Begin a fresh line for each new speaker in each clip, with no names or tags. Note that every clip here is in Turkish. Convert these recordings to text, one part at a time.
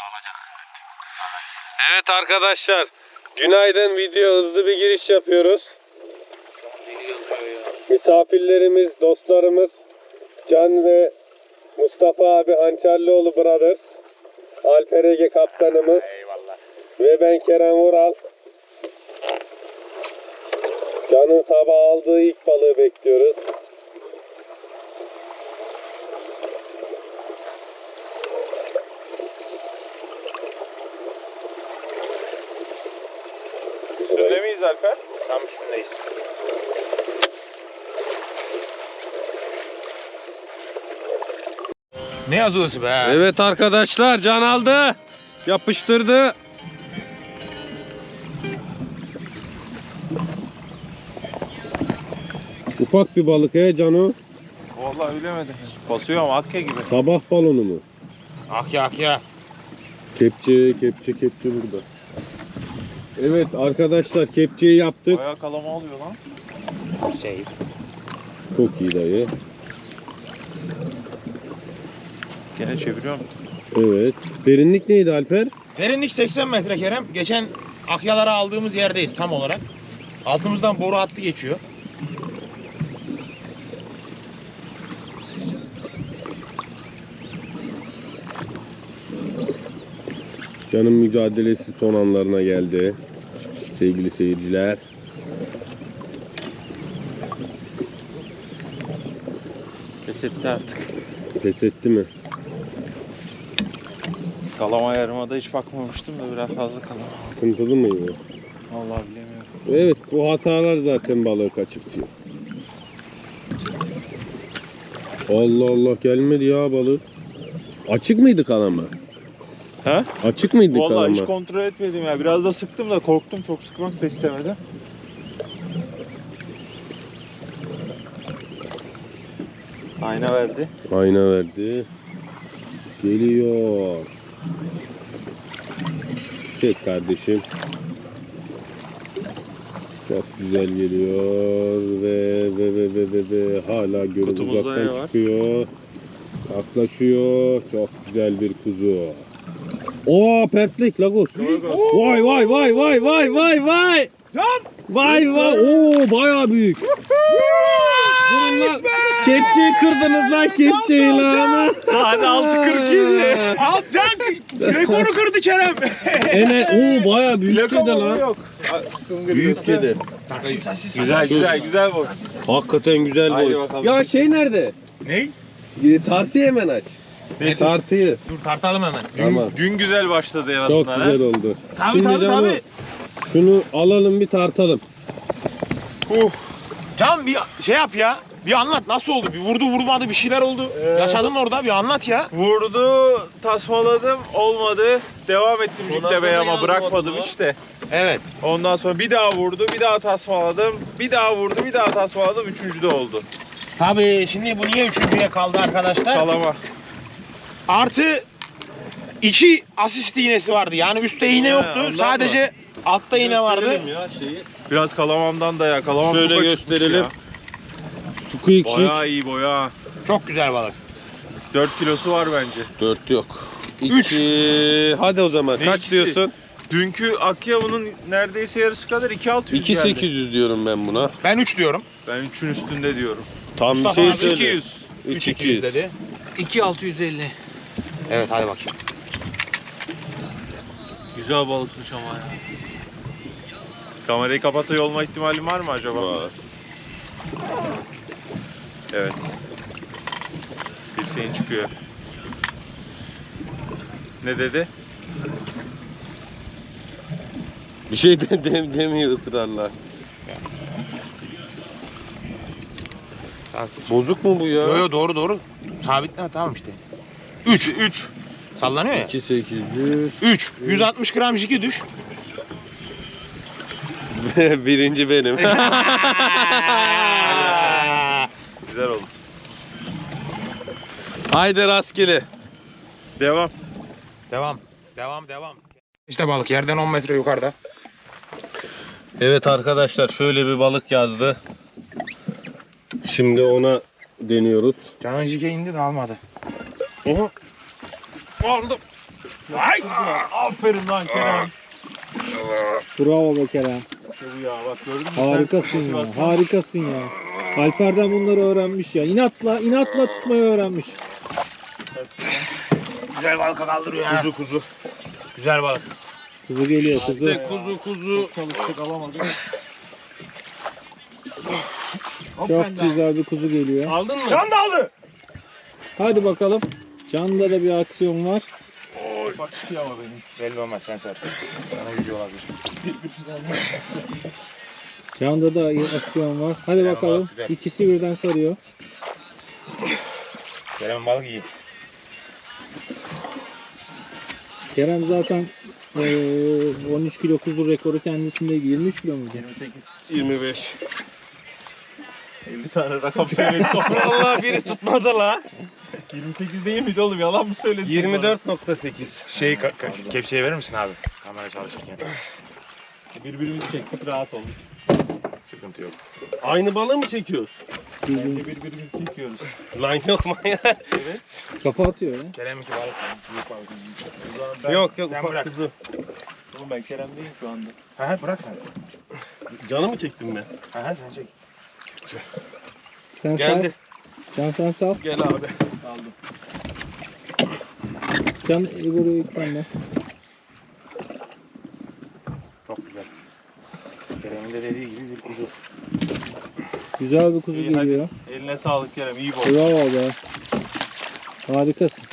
Evet arkadaşlar, günaydın. Video hızlı bir giriş yapıyoruz. Misafirlerimiz, dostlarımız Can ve Mustafa abi Hançerlioğlu Brothers, Alper Ege kaptanımız.
Eyvallah.
Ve ben Kerem Vural. Can'ın sabah aldığı ilk balığı bekliyoruz.
Üstünde miyiz Alper? Tam üstündeyiz. Ne yazılısı be?
Evet arkadaşlar, Can aldı. Yapıştırdı. Ufak bir balık Cano.
Vallahi bilemedim. Basıyor ama akya gibi.
Sabah balonu mu?
Akya.
Kepçe burada. Evet arkadaşlar, kepçeyi yaptık.
Bayağı kalama oluyor lan. Save.
Çok iyi dayı.
Gene çeviriyorum.
Evet. Derinlik neydi Alper?
Derinlik 80 metre Kerem. Geçen akyalara aldığımız yerdeyiz tam olarak. Altımızdan boru hattı geçiyor.
Can'ın mücadelesi son anlarına geldi. Sevgili seyirciler.
Pes etti artık.
Pes etti mi?
Kalama yarımada hiç bakmamıştım da biraz fazla kalama.
Sıkıntılı mıydı?
Vallahi bilemiyorum.
Evet, bu hatalar zaten balığı kaçırtıyor. Allah Allah, gelmedi ya balık. Açık mıydı kalama?
He?
Açık mıydı
Vallahi
kalama?
hiç kontrol etmedim ya. Biraz da sıktım da korktum. Çok sıkmak da istemedim. Ayna verdi.
Ayna verdi. Geliyor. Çek kardeşim. Çok güzel geliyor ve hala görüp
Kutumuzda ne
uzaktan
var?
çıkıyor. Yaklaşıyor. Çok güzel bir kuzu. Oo, pertlik Lagos. Vay vay vay vay vay vay vay.
Can!
Vay vay. Oo, bayağı büyük. Durun lan. Kepçeyi kırdınız lan, kepçeyi lan.
Saat 6:47.
Al Can! Rekoru kırdı Kerem.
Oo, bayağı büyük kedi lan.
Yok.
Büyük kedi.
Güzel bu.
Hakikaten güzel
Haydi
boy.
bakalım.
Ya şey nerede?
Ney?
Tartıyı hemen aç. Tartıyı.
Dur tartalım hemen.
Tamam.
Gün güzel başladı en
Çok
azından.
güzel oldu.
Tabii,
Şimdi
tabii,
Can'ı
tabii.
şunu alalım, bir tartalım.
Can bir şey yap ya. Bir anlat nasıl oldu? Bir vurdu vurmadı bir şeyler oldu. Yaşadın orada, bir anlat ya.
Vurdu, tasmaladım, olmadı. Devam ettim jüklemeye ama
yazmadı
bırakmadım
mı?
hiç de.
Evet.
Ondan sonra bir daha vurdu, bir daha tasmaladım. Bir daha vurdu, bir daha tasmaladım. Üçüncü de oldu.
Tabii şimdi bu niye üçüncüye kaldı arkadaşlar?
Kalama.
Artı 2 asist iğnesi vardı. Yani üstte iğne yoktu.
ondan
Sadece altta iğne vardı.
Ya şeyi.
Biraz kalamamdan da ya. Kalamam
Şöyle
çok açıkmış
gösterelim.
ya.
Squeak
Bayağı iyi boya.
Çok güzel balık.
4 kilosu var bence.
4 yok.
Üç.
2. Hadi o zaman.
Ne
Kaç
ikisi?
diyorsun?
Dünkü Akya bunun neredeyse yarısı kadar 2.600 geldi.
2.800 diyorum ben buna.
Ben 3 diyorum.
Ben 3'ün üstünde diyorum.
Tam
Mustafa
bir
abi
şey söyle.
200.
3.200
dedi.
2.650.
Evet hadi bakayım.
Güzel balıkmış ama ya.
Kamerayı kapatıyor olma ihtimali var mı acaba?
Var.
Evet. Dirseğin çıkıyor. Ne dedi?
Bir şey de demiyor ısrarla. Bozuk mu bu ya?
Yo yo doğru. Sabitleme tamam işte. 3. Sallanıyor ya.
2.800.
3. 160 gram jiki düş.
Birinci benim.
Güzel oldu.
Haydi rastgele.
Devam.
Devam. İşte balık yerden 10 metre yukarıda.
Evet arkadaşlar, şöyle bir balık yazdı. Şimdi ona deniyoruz.
Canan jike indi de almadı.
Oha.
Aldım. Ay!
Aferin lan Kerem.
Bravo be Kerem.
İşte bu ya bak gördün mü?
Harikasın ya. Harikasın ya. Alper'den bunları öğrenmiş ya. İnatla tutmayı öğrenmiş.
Güzel balık kaldırıyor ya.
Kuzu.
Güzel balık.
Kuzu geliyor kuzu.
İşte kuzu. Çalıştık alamadık.
Çok güzel bir kuzu geliyor.
Aldın mı?
Can da aldı.
Hadi bakalım. Can'da da bir aksiyon var.
Bak çıkıyor ama benim.
Belli olmaz sen sar. Sana yüzüyor olabilir.
Can'da da aksiyon var. Hadi
Güzel,
bakalım.
güzel.
İkisi birden sarıyor.
Kerem'in balık iyi.
Kerem zaten 13 kilo kuzu rekoru kendisinde. 23 kilo muydu?
25. 50 tane rakam söyledik. Vallahi biri tutmadı la. 28 değil miydi oğlum? Yalan mı söyledin?
24.8. Kepçeyi verir misin abi? Kamera çalışırken.
Birbirimizi çektik rahat olduk.
Sıkıntı yok.
Aynı balığı mı çekiyoruz?
Bence birbirimizi çekiyoruz.
Lan yok manyak.
Kafa atıyor ya.
Kerem'inki balık. Büyük balık.
Yok yok
Sen
ufak
bırak.
kuzu.
Oğlum ben Kerem değilim şu anda.
Ha bırak sen.
Canı mı çektim ben?
Ha sen çek.
Sen
Geldi.
sal. Can sen sal.
Gel abi. Aldım.
Can Ebor'u yüklenme.
Çok güzel. Kerem'in de dediği gibi bir kuzu.
Güzel bir kuzu
İyi, hadi.
geliyor.
Eline sağlık Kerem. İyi bol.
Bravo be. Harikasın.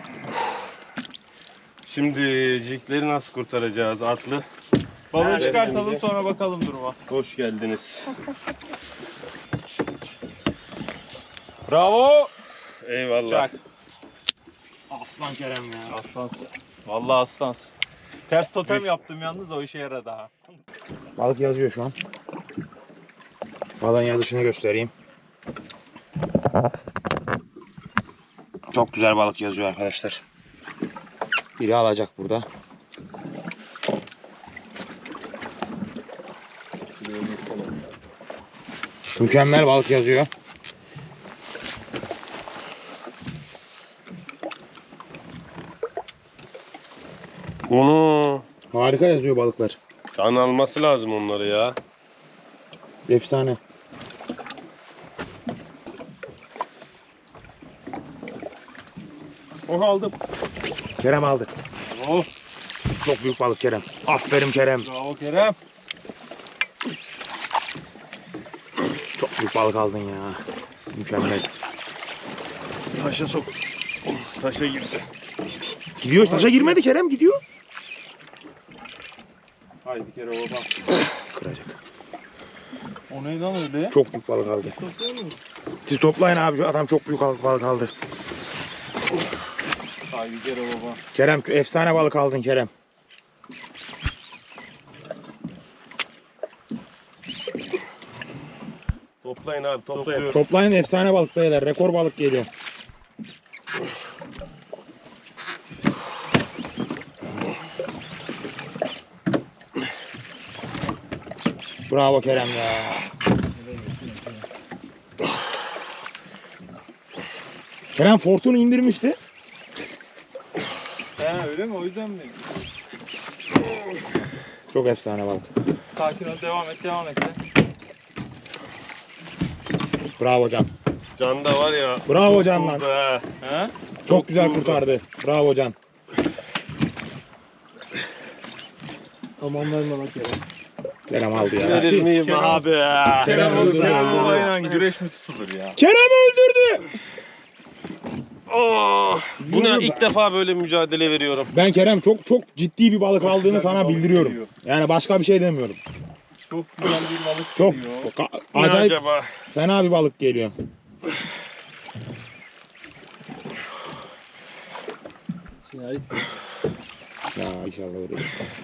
Şimdi jikleri nasıl kurtaracağız atlı?
Balığı
Nerede
çıkartalım
şimdi?
sonra bakalım duruma.
Hoş geldiniz.
Bravo.
Eyvallah.
Çak.
Aslan Kerem ya.
Aslansın. Vallahi aslansın. Ters totem yaptım yalnız o işe yaradı ha.
Balık yazıyor şu an. Balığın yazışını göstereyim. Çok güzel balık yazıyor arkadaşlar. Biri alacak burada. Mükemmel balık yazıyor.
Onu
Harika yazıyor balıklar.
can alması lazım onları ya.
Efsane.
Onu aldım.
Kerem aldı.
Oh.
Çok büyük balık Kerem. Aferin Kerem.
Bravo Kerem.
Çok büyük balık aldın ya. Mükemmel.
Taşa sok. Taşa girdi.
Gidiyor. Taşa girmedi Kerem gidiyor.
Haydi Kerem baba.
Kıracak.
O neydi lan öyle?
Çok büyük balık aldı. Siz toplayın abi. Adam çok büyük balık aldı.
Haydi Kerem baba.
Kerem efsane balık aldın Kerem.
Toplayın abi toplayın.
Toplayın efsane balık beyler. Rekor balık geliyor. Bravo Kerem ya. Kerem Fortun'u indirmişti.
He öyle mi? O yüzden mi?
Çok efsane balık.
Sakin ol. Devam et.
Bravo Can.
Can da var ya.
Bravo Can lan.
Be.
He?
Çok güzel
vurdu.
kurtardı. Bravo Can.
Aman verme bak Kerem.
Kerem aldı ya.
Verir miyim
Kerem-
abi?
Kerem öldürdü.
Kerem babayla güreş mi tutulur ya?
Kerem öldürdü.
Oh, yine ilk defa böyle mücadele veriyorum.
Ben Kerem çok ciddi bir balık aldığını sana bildiriyorum. Yani başka bir şey demiyorum.
Çok güzel bir balık
Çok
geliyor.
Ne
acayip
acaba?
fena bir balık geliyor. Ya inşallah öyle.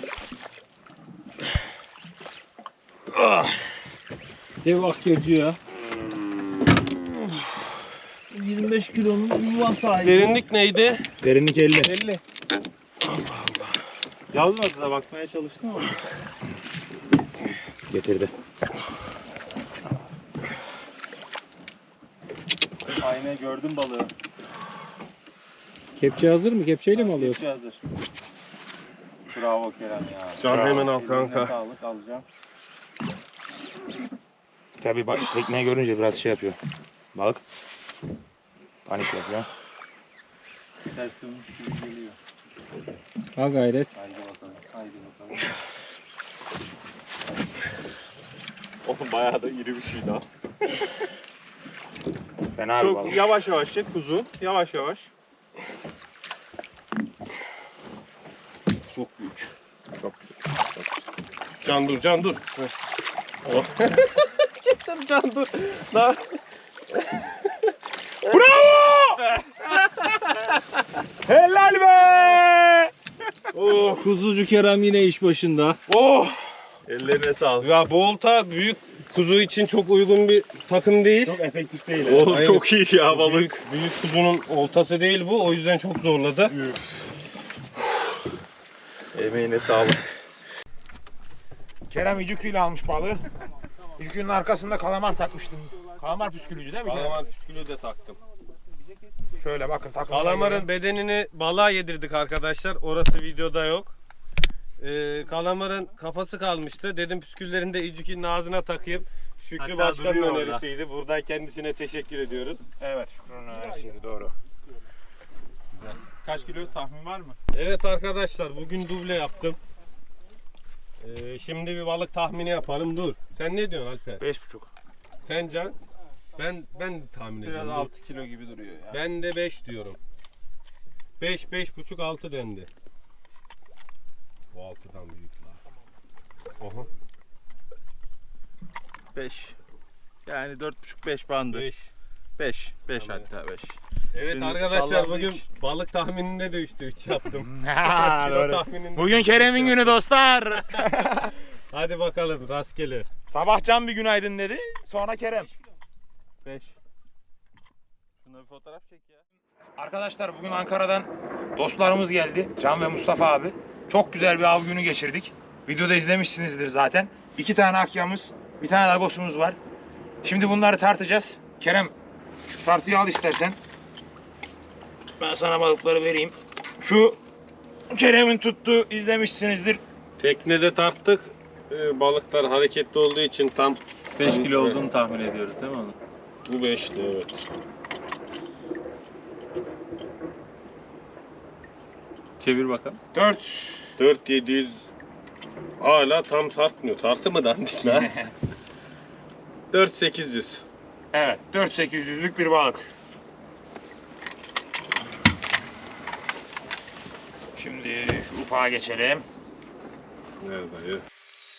Dev akyacı ya. 25 kilonun yuvan sahibi.
Derinlik neydi?
Derinlik 50.
50. Yazmadı da bakmaya çalıştım ama.
Getirdi.
Aynen gördüm balığı.
Kepçe hazır mı? Kepçeyle mi alıyorsun?
Hazır. Bravo Kerem ya.
Can
Bravo.
hemen al
Eline
kanka.
Sağlık alacağım.
Tabii bak tekneyi görünce biraz şey yapıyor. Balık. Panik yapıyor.
Ters dönmüş gibi geliyor.
Ha gayret.
Haydi bakalım. Haydi bakalım. Oğlum bayağı da iri bir şey daha.
Fena bir
Çok
balık.
yavaş yavaş çek kuzu. Yavaş yavaş. Çok büyük.
Can dur, Can dur. Oh. Getir Can dur. Daha...
Helal be!
Oh.
Kuzucu Kerem yine iş başında.
Oh.
Ellerine sağlık.
Ya bu olta büyük kuzu için çok uygun bir takım değil.
Çok efektif değil.
Oğlum
Aynen.
çok iyi ya balık.
Büyük kuzunun oltası değil bu. O yüzden çok zorladı.
Emeğine sağlık.
Kerem İcükü'yle almış balığı. İcükü'nün arkasında kalamar takmıştım. Kalamar püskülüydü değil mi Kerem?
Kalamar püskülü de taktım.
Şöyle bakın takımına
Kalamarın
göre.
bedenini balığa yedirdik arkadaşlar. Orası videoda yok. Kalamarın kafası kalmıştı. Dedim püsküllerini de İcük'ün ağzına takayım. Şükrü
Hatta
Başkan'ın
duruyor orada.
önerisiydi. Buradan kendisine teşekkür ediyoruz.
Evet Şükrü'nün önerisiydi doğru.
Kaç kilo tahmin var mı?
Evet arkadaşlar bugün duble yaptım. Şimdi bir balık tahmini yapalım. Dur. Sen ne diyorsun Alper?
5,5.
Sen Can? Ben tahmin
Biraz
ediyorum.
6 kilo gibi duruyor ya.
Ben de 5 diyorum. 5, 5,5, 6 dendi. Bu 6'dan büyük la. Oha.
5. Yani 4,5-5 bandı.
5.
5
Tamam.
hatta 5.
Evet
Benim
arkadaşlar
sallandı
bugün
hiç.
balık tahmininde de 3'te 3 yaptım.
Ha,
Kilo
doğru.
tahmininde
Bugün
3'te
Kerem'in
3
günü
yaptım.
dostlar.
Hadi bakalım rastgele.
Sabah Can bir günaydın dedi. Sonra Kerem.
5. Şuna bir fotoğraf çek ya.
Arkadaşlar bugün Ankara'dan dostlarımız geldi. Can ve Mustafa abi. Çok güzel bir av günü geçirdik. Videoda izlemişsinizdir zaten. 2 tane akyamız, bir tane lagosumuz var. Şimdi bunları tartacağız. Kerem şu tartıyı al istersen. Ben sana balıkları vereyim. Şu Kerem'in tuttuğu izlemişsinizdir.
Teknede tarttık. Balıklar hareketli olduğu için tam
5 kilo olduğunu tahmin ediyoruz değil mi onu?
bu 5'ti evet.
Çevir bakalım.
4700 hala tam tartmıyor. Tartı mı dandik lan? 4800.
Evet 4.800'lük bir balık. Şimdi şu ufağa geçelim.
Nerede ya?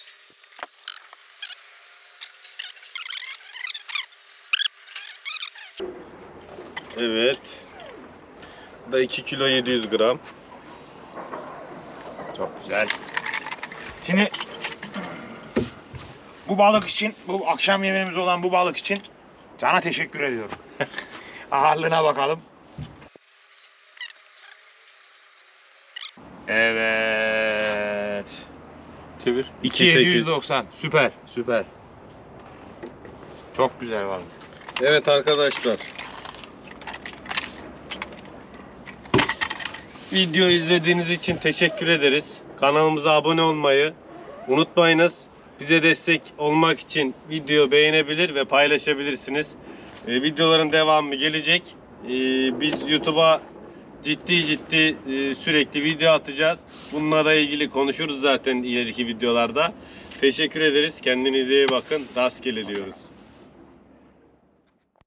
Evet. Bu da 2 kilo 700 gram.
Çok güzel. Şimdi bu balık için, bu akşam yemeğimiz olan bu balık için Can'a teşekkür ediyorum. Ağırlığına bakalım. Evet.
Çevir.
2790. Süper, süper. Çok güzel balık.
Evet arkadaşlar. Video izlediğiniz için teşekkür ederiz. Kanalımıza abone olmayı unutmayınız. Bize destek olmak için video beğenebilir ve paylaşabilirsiniz. Videoların devamı gelecek. Biz YouTube'a ciddi sürekli video atacağız. Bununla ilgili konuşuruz zaten ileriki videolarda. Teşekkür ederiz. Kendinize iyi bakın. Rastgele diyoruz.